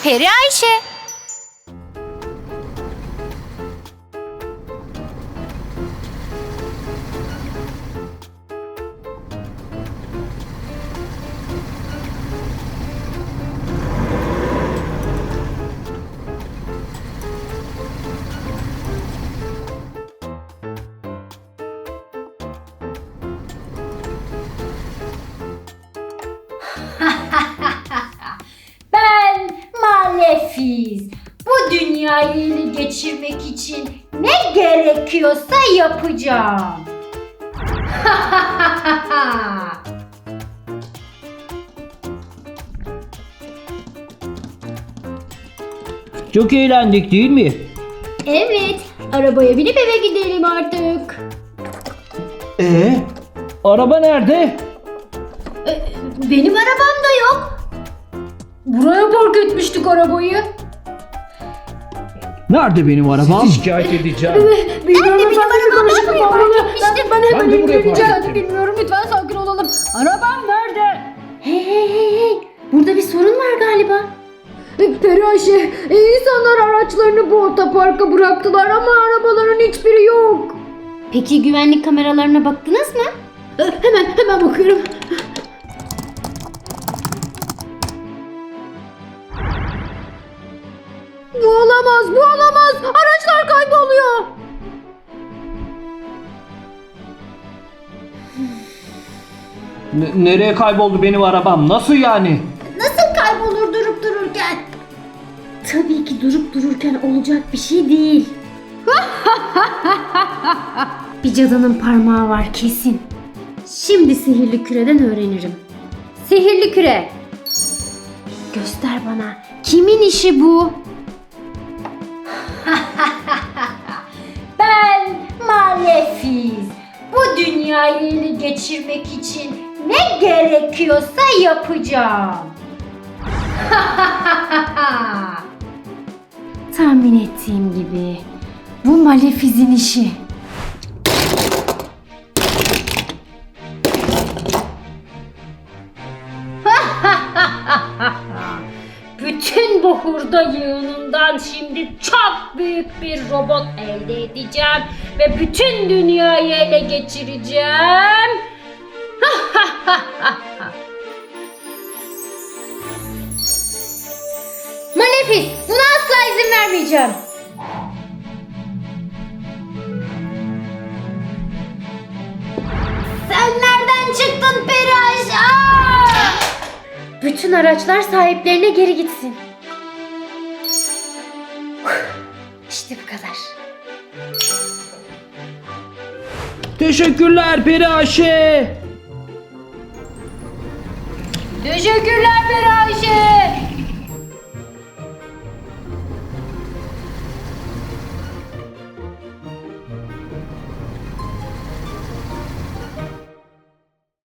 Peri Ayşe. Ben Malefiz. Bu dünyayı ele geçirmek için ne gerekiyorsa yapacağım. Çok eğlendik değil mi? Evet, arabaya binip eve gidelim artık. Araba nerede? Benim arabam da yok. Buraya park etmiştik arabayı. Nerede benim arabam? Sizi şikayet edeceğim. Bilmiyorum, benim arabam buraya park etmiştim. Ben Ben de buraya park ettim. Bilmiyorum, lütfen sakin olalım. Arabam nerede? Hey. Burada bir sorun var galiba. Peri Ayşe, insanlar araçlarını bu otoparka bıraktılar ama arabaların hiçbiri yok. Peki güvenlik kameralarına baktınız mı? Hemen bakıyorum. Bu olamaz. Araçlar kayboluyor. Nereye kayboldu benim arabam? Nasıl yani? Nasıl kaybolur durup dururken? Tabii ki durup dururken olacak bir şey değil. Bir cadının parmağı var kesin. Şimdi sihirli küreden öğrenirim. Sihirli küre. Göster bana. Kimin işi bu? Ben Malefiz. Bu dünyayı ele geçirmek için ne gerekiyorsa yapacağım. Tahmin ettiğim gibi bu Malefiz'in işi. Bütün bu hurda yığınından şimdi çok büyük bir robot elde edeceğim ve bütün dünyayı ele geçireceğim. Malefiz, buna asla izin vermeyeceğim. Sen nereden çıktın Peri Ayşe? Bütün araçlar sahiplerine geri gitsin. İşte bu kadar. Teşekkürler Peri Ayşe. Teşekkürler Peri Ayşe.